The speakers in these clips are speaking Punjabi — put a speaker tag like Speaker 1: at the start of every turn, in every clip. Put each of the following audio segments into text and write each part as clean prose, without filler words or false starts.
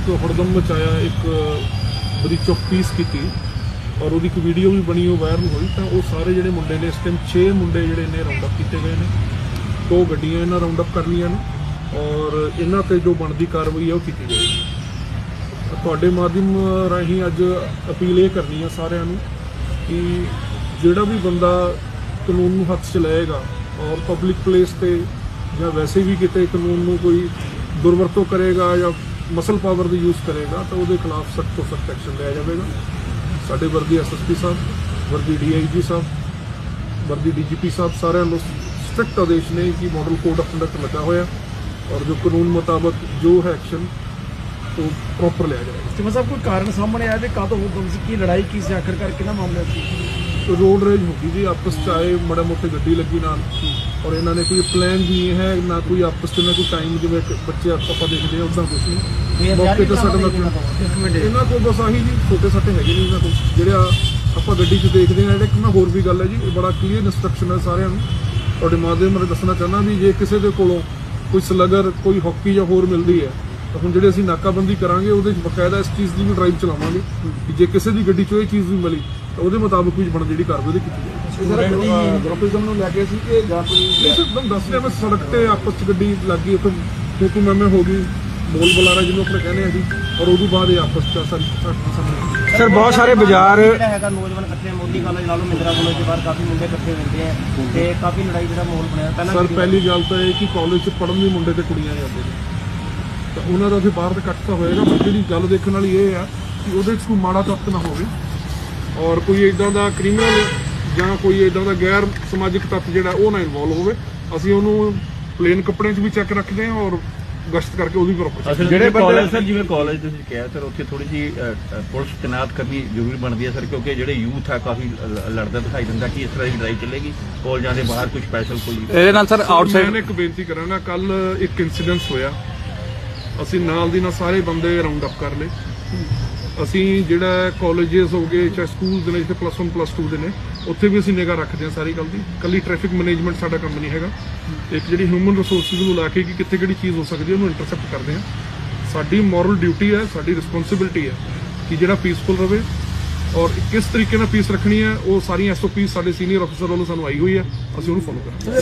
Speaker 1: एक हड़दम मचाया, एक ब्रीच ऑफ पीस की और वो वीडियो भी बनी, वो वायरल हुई। तो वो सारे जोड़े मुंडे ने इस टाइम 6 मुंडे जोड़े ने राउंड अप किए गए हैं, 2 गड्डियां इन्हें राउंड अप कर लिया ने और इन्हों पर जो बनती कार्रवाई है वो की गई है। तुहाडे माध्यम राही अज अपील ये करनी है सारिਆਂ ਨੂੰ कि ਜਿਹੜਾ भी बंदा कानून ਨੂੰ हथ च लएगा और पब्लिक प्लेस ਤੇ ਜਾਂ वैसे भी किते कानून ਨੂੰ कोई दुरवरतों करेगा या मसल पावर का यूज़ करेगा तो वो खिलाफ सख्त तो सख्त एक्शन लिया जाएगा। साढ़े वर्दी SSP साहब, वर्दी DIG साहब, वर्दी DGP साहब सारे स्ट्रिक्ट आदेश ने कि मॉडल कोड ऑफ कंडक्ट लगा हुआ और जो कानून मुताबिक जो है एक्शन तो प्रॉपर लिया जाएगा।
Speaker 2: सिमा साहब कोई कारण सामने आया कि कादो की लड़ाई की से आखिरकार कितना मामला
Speaker 1: तो रोड रेज होगी जी, आपस च आए माड़ा मोटे गड्डी लगी नाल और इन्होंने कोई प्लान भी नहीं है ना कोई आपस में कोई टाइम जिवें बच्चे आप देखते हैं उदा कुछ नहीं। मौके तो साडा इन्हों को बस आही जी छोटे सट्टे है नहीं इन्होंने को ਜਿਹੜੇ ਆਪਾਂ ਗੱਡੀ 'ਚ ਦੇਖਦੇ ਹਾਂ। ਇੱਕ ਨਾ ਹੋਰ ਵੀ ਗੱਲ ਹੈ ਜੀ, ਇਹ ਬੜਾ ਕਲੀਅਰ ਇਨਸਟਰਕਸ਼ਨ ਹੈ ਸਾਰਿਆਂ ਨੂੰ। ਤੁਹਾਡੇ ਮਾਧਿਅਮ ਰਾਹੀਂ ਦੱਸਣਾ ਚਾਹੁੰਦਾ ਵੀ ਜੇ ਕਿਸੇ ਦੇ ਕੋਲੋਂ ਕੋਈ ਸਲਗਰ ਕੋਈ ਹੌਕੀ ਜਾਂ ਹੋਰ ਮਿਲਦੀ ਹੈ ਤਾਂ ਹੁਣ ਜਿਹੜੇ ਅਸੀਂ ਨਾਕਾਬੰਦੀ ਕਰਾਂਗੇ ਉਹਦੇ 'ਚ ਬਕਾਇਦਾ ਇਸ ਚੀਜ਼ ਦੀ ਵੀ ਡਰਾਈਵ ਚਲਾਵਾਂਗੇ ਕਿ ਜੇ ਕਿਸੇ ਦੀ ਗੱਡੀ 'ਚੋਂ ਇਹ ਚੀਜ਼ ਵੀ ਮਿਲੀ ਤਾਂ ਉਹਦੇ ਮੁਤਾਬਕ ਵੀ ਬਣ ਜਿਹੜੀ ਕਾਰਵਾਈ ਕੀਤੀ ਜਾਏਗੀ।
Speaker 2: ਗਰੁੱਪਿਜ਼ਮ ਨੂੰ ਲੈ ਕੇ ਸੀ ਕਿ ਜਾਂ ਕੋਈ
Speaker 1: एकदम दस रहे बस सड़क पे आपस च गड्डी लग गई तो टूटू मैमे हो गई बोल बुलारा जिन्होंने अपने कहने हैं जी और उदू बाद आपस च
Speaker 2: सर बहुत सारे बाजार
Speaker 3: नौजवान इकट्ठे मोदी कॉलेज ला लो मिंदरा कॉलेज के बाहर काफी मुंडे इकट्ठे होते हैं ते काफी लड़ाई का माहौल बनया।
Speaker 1: सर पहली गल तो है कि कॉलेज च पढ़न भी मुंडे ते कुड़ियां जाते हैं तो उन्होंने तो बाहर तो कट तो होएगा, पर जी गल देखने वाली ये है कि वो कोई माड़ा तत्त ना हो और कोई इदा का क्रिमिनल ਜਾਂ ਕੋਈ ਇਦਾਂ ਦਾ ਗੈਰ ਸਮਾਜਿਕ ਤੱਤ ਜਿਹੜਾ ਉਹ ਨਾ ਇਨਵੋਲਵ ਹੋਵੇ। ਅਸੀਂ ਉਹਨੂੰ ਪਲੇਨ ਕੱਪੜਿਆਂ 'ਚ ਵੀ ਚੈੱਕ ਰੱਖਦੇ ਹਾਂ ਔਰ ਗਸ਼ਤ ਕਰਕੇ ਉਹਦੀ ਪ੍ਰੋਪਰ
Speaker 4: ਜਿਹੜੇ ਕਾਲਜ ਸਰ ਜਿਵੇਂ ਕਾਲਜ ਤੁਸੀਂ ਕਿਹਾ ਸਰ ਉੱਥੇ ਥੋੜੀ ਜੀ ਪੁਲਿਸ ਤੈਨਾਤ ਕਰਨੀ ਜ਼ਰੂਰੀ ਬਣਦੀ ਹੈ ਸਰ, ਕਿਉਂਕਿ ਜਿਹੜੇ ਯੂਥ ਹੈ ਕਾਫੀ ਲੜਦਾ ਦਿਖਾਈ ਦਿੰਦਾ ਕਿ ਇਸ ਤਰ੍ਹਾਂ ਦੀ ਲੜਾਈ ਚੱਲੇਗੀ ਕਾਲਜਾਂ ਦੇ ਬਾਹਰ ਕੋਈ ਸਪੈਸ਼ਲ ਕੋਈ
Speaker 2: ਇਹਦੇ ਨਾਲ ਸਰ ਆਊਟਸਾਈਡ
Speaker 1: ਮੈਂ ਇੱਕ ਬੇਨਤੀ ਕਰਾਂਗਾ। ਕੱਲ ਇੱਕ ਇਨਸੀਡੈਂਸ ਹੋਇਆ, ਅਸੀਂ ਨਾਲ ਦੀ ਨਾਲ ਸਾਰੇ ਬੰਦੇ ਰਾਉਂਡ ਅਪ ਕਰ ਲਏ। ਅਸੀਂ ਜਿਹੜਾ ਕਾਲਜਸ ਹੋ ਗਏ ਚਾਹੇ ਸਕੂਲ ਦੇ ਨੇ ਜਿੱਥੇ +1 +2 ਦੇ ਨੇ ਉੱਥੇ ਵੀ ਅਸੀਂ ਨਿਗਾਹ ਰੱਖਦੇ ਹਾਂ ਸਾਰੀ ਗੱਲ ਦੀ। ਕੱਲੀ ਟ੍ਰੈਫਿਕ ਮੈਨੇਜਮੈਂਟ ਸਾਡਾ ਕੰਮ ਨਹੀਂ ਹੈਗਾ, ਇੱਕ ਜਿਹੜੀ ਹਿਊਮਨ ਰਿਸੋਰਸਿਸ ਨੂੰ ਲਾ ਕੇ ਕਿ ਕਿੱਥੇ ਕਿਹੜੀ ਚੀਜ਼ ਹੋ ਸਕਦੀ ਹੈ ਉਹਨੂੰ ਇੰਟਰਸੈਪਟ ਕਰਦੇ ਹਾਂ। ਸਾਡੀ ਮੋਰਲ ਡਿਊਟੀ ਹੈ, ਸਾਡੀ ਰਿਸਪੌਂਸਿਬਿਲਿਟੀ ਹੈ ਕਿ ਜਿਹੜਾ ਪੀਸਫੁਲ ਰਵੇ ਔਰ ਕਿਸ ਤਰੀਕੇ ਨਾਲ ਪੀਸ ਰੱਖਣੀ ਹੈ ਉਹ ਸਾਰੀਆਂ SOP ਸਾਡੇ ਸੀਨੀਅਰ ਅਫਸਰ ਵੱਲੋਂ ਸਾਨੂੰ ਆਈ ਹੋਈ ਹੈ, ਅਸੀਂ ਉਹਨੂੰ ਫੋਲੋ ਕਰਾਂਗੇ।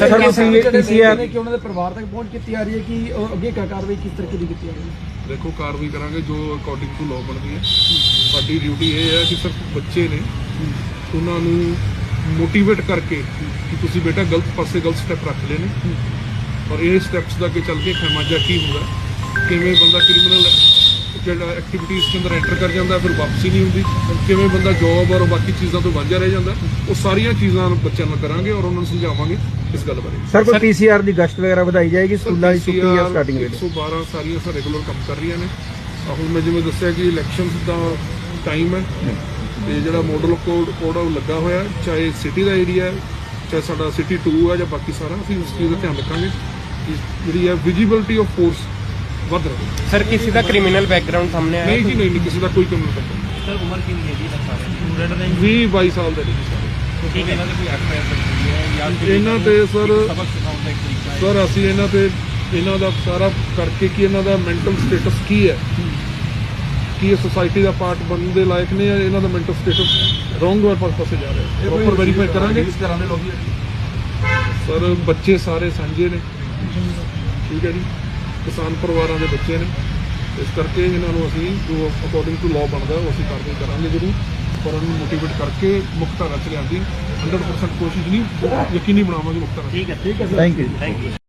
Speaker 2: ਸਰ ਕਿ ਉਹਨਾਂ ਦੇ ਪਰਿਵਾਰ ਤੱਕ ਪਹੁੰਚ ਕੀਤੀ ਆ ਰਹੀ ਹੈ ਕਿ ਅੱਗੇ ਕਾਰਵਾਈ ਕਿਸ ਤਰੀਕੇ ਦੀ ਕੀਤੀ ਜਾ ਰਹੀ ਹੈ?
Speaker 1: ਦੇਖੋ ਕਾਰਵਾਈ ਕਰਾਂਗੇ ਜੋ ਅਕੋਰਡਿੰਗ ਟੂ ਲਾਅ ਬਣਦੀ ਹੈ। ਸਾਡੀ ਡਿਊਟੀ ਇਹ ਹੈ ਕਿ ਸਿਰਫ ਬੱਚੇ ਨੇ ਉਹਨਾਂ ਨੂੰ ਮੋਟੀਵੇਟ ਕਰਕੇ ਕਿ ਤੁਸੀਂ ਬੇਟਾ ਗਲਤ ਪਾਸੇ ਗਲਤ ਸਟੈਪ ਰੱਖ ਲਏ ਨੇ ਔਰ ਇਹ ਸਟੈਪਸ ਦਾ ਅੱਗੇ ਚੱਲ ਕੇ ਖਮਾਜਾ ਕੀ ਹੁੰਦਾ, ਕਿਵੇਂ ਬੰਦਾ ਕ੍ਰਿਮੀਨਲ ਜਿਹੜਾ ਐਕਟੀਵਿਟੀਜ਼ ਦੇ ਅੰਦਰ ਐਂਟਰ ਕਰ ਜਾਂਦਾ ਫਿਰ ਵਾਪਸੀ ਨਹੀਂ ਹੁੰਦੀ, ਕਿਵੇਂ ਬੰਦਾ ਜੌਬ ਔਰ ਬਾਕੀ ਚੀਜ਼ਾਂ ਤੋਂ ਵਾਂਝਾ ਰਹਿ ਜਾਂਦਾ, ਉਹ ਸਾਰੀਆਂ ਚੀਜ਼ਾਂ ਬੱਚਿਆਂ ਨੂੰ ਕਰਾਂਗੇ ਔਰ ਉਹਨਾਂ ਨੂੰ ਸਮਝਾਵਾਂਗੇ ਇਸ ਗੱਲ ਬਾਰੇ।
Speaker 2: ਸਰ ਕੋਈ PCR ਦੀ ਗਸ਼ਤ ਵਗੈਰਾ ਵਧਾਈ ਜਾਏਗੀ ਸਕੂਲਾਂ ਦੀ ਛੁੱਟੀ ਜਾਂ ਸਟਾਰਟਿੰਗ ਵੇਲੇ?
Speaker 1: 112 ਸਾਰੀਆਂ ਸਰ ਰੈਗੂਲਰ ਕੰਮ ਕਰ ਰਹੀਆਂ ਨੇ। ਹੁਣ ਮੈਂ ਜਿਵੇਂ ਦੱਸਿਆ ਕਿ ਇਲੈਕਸ਼ਨਸ ਦਾ ਟਾਈਮ ਹੈ ਤੇ ਜਿਹੜਾ ਮਾਡਲ ਕੋਡ ਉਹ ਲੱਗਾ ਹੋਇਆ, ਚਾਹੇ ਸਿਟੀ ਦਾ ਏਰੀਆ ਹੈ ਚਾਹੇ ਸਾਡਾ ਸਿਟੀ 2 ਹੈ ਜਾਂ ਬਾਕੀ ਸਾਰਾ, ਅਸੀਂ ਉਸ ਚੀਜ਼ ਦਾ ਧਿਆਨ ਰੱਖਾਂਗੇ ਕਿ ਜਿਹੜੀ ਹੈ ਵਿਜੀਬਿਲਿਟੀ ਆਫ ਫੋਰਸ ਵੱਧ ਰਹੇ।
Speaker 3: ਸਰ ਕਿਸੇ ਦਾ ਕ੍ਰਿਮੀਨਲ ਬੈਕਗ੍ਰਾਉਂਡ ਸਾਹਮਣੇ ਆਇਆ?
Speaker 1: ਨਹੀਂ ਜੀ ਨਹੀਂ ਕਿਸੇ ਦਾ ਕੋਈ ਕ੍ਰਿਮੀਨਲ ਬੈਕਗ੍ਰਾਉਂਡ।
Speaker 3: ਸਰ ਉਮਰ ਕਿੰਨੀ ਹੈ ਜੀ ਸਟੂਡੈਂਟ ਨੇ?
Speaker 1: 20-22 ਸਾਲ ਦੇ ਨੇ ਸਾਰੇ।
Speaker 3: ਠੀਕ ਹੈ, ਇਹਨਾਂ ਦੇ ਕੋਈ ਐਫਆਈਆਰ ਦਰਜ ਹੈ ਜਾਂ
Speaker 1: ਇਹਨਾਂ ਤੇ ਸਰ
Speaker 3: ਸਬਕ ਸਿਖਾਉਣ ਦਾ ਇੱਕ ਤਰੀਕਾ ਹੈ?
Speaker 1: ਸਰ ਅਸੀਂ ਇਹਨਾਂ ਦਾ ਸਾਰਾ ਕਰਕੇ ਕਿ ਇਹਨਾਂ ਦਾ ਮੈਂਟਲ ਸਟੇਟਸ ਕੀ ਹੈ, ਕੀ ਇਹ ਸੋਸਾਇਟੀ ਦਾ ਪਾਰਟ ਬਣਨ ਦੇ ਲਾਇਕ ਨੇ ਜਾਂ ਇਹਨਾਂ ਦਾ ਮੈਂਟਲ ਸਟੇਟਸ ਰੋਂਗ ਪਾਸੇ ਜਾ ਰਿਹਾ ਹੈ, ਪ੍ਰੋਪਰ ਵੈਰੀਫਾਈ ਕਰਾਂਗੇ।
Speaker 2: ਕਿਸ ਤਰ੍ਹਾਂ ਦੇ ਲੋਕ
Speaker 1: ਸਰ ਬੱਚੇ ਸਾਰੇ ਸਾਂਝੇ ਨੇ, ਠੀਕ ਹੈ ਜੀ, ਕਿਸਾਨ ਪਰਿਵਾਰਾਂ ਦੇ ਬੱਚੇ ਨੇ, ਇਸ ਕਰਕੇ ਇਹਨਾਂ ਨੂੰ ਅਸੀਂ ਜੋ ਅਕੋਰਡਿੰਗ ਟੂ ਲਾਅ ਬਣਦਾ ਉਹ ਅਸੀਂ ਕਾਰਵਾਈ ਕਰਾਂਗੇ ਜ਼ਰੂਰ, ਪਰ ਉਹਨੂੰ ਮੋਟੀਵੇਟ ਕਰਕੇ ਮੁੱਖ ਧਾਰਾ 'ਚ ਲਿਆਉਣ ਦੀ 100% ਕੋਸ਼ਿਸ਼ ਨਹੀਂ, ਯਕੀਨੀ ਬਣਾਵਾਂਗੇ ਮੁੱਖ ਧਾਰਾ।
Speaker 3: ਠੀਕ ਹੈ
Speaker 2: ਥੈਂਕ ਯੂ।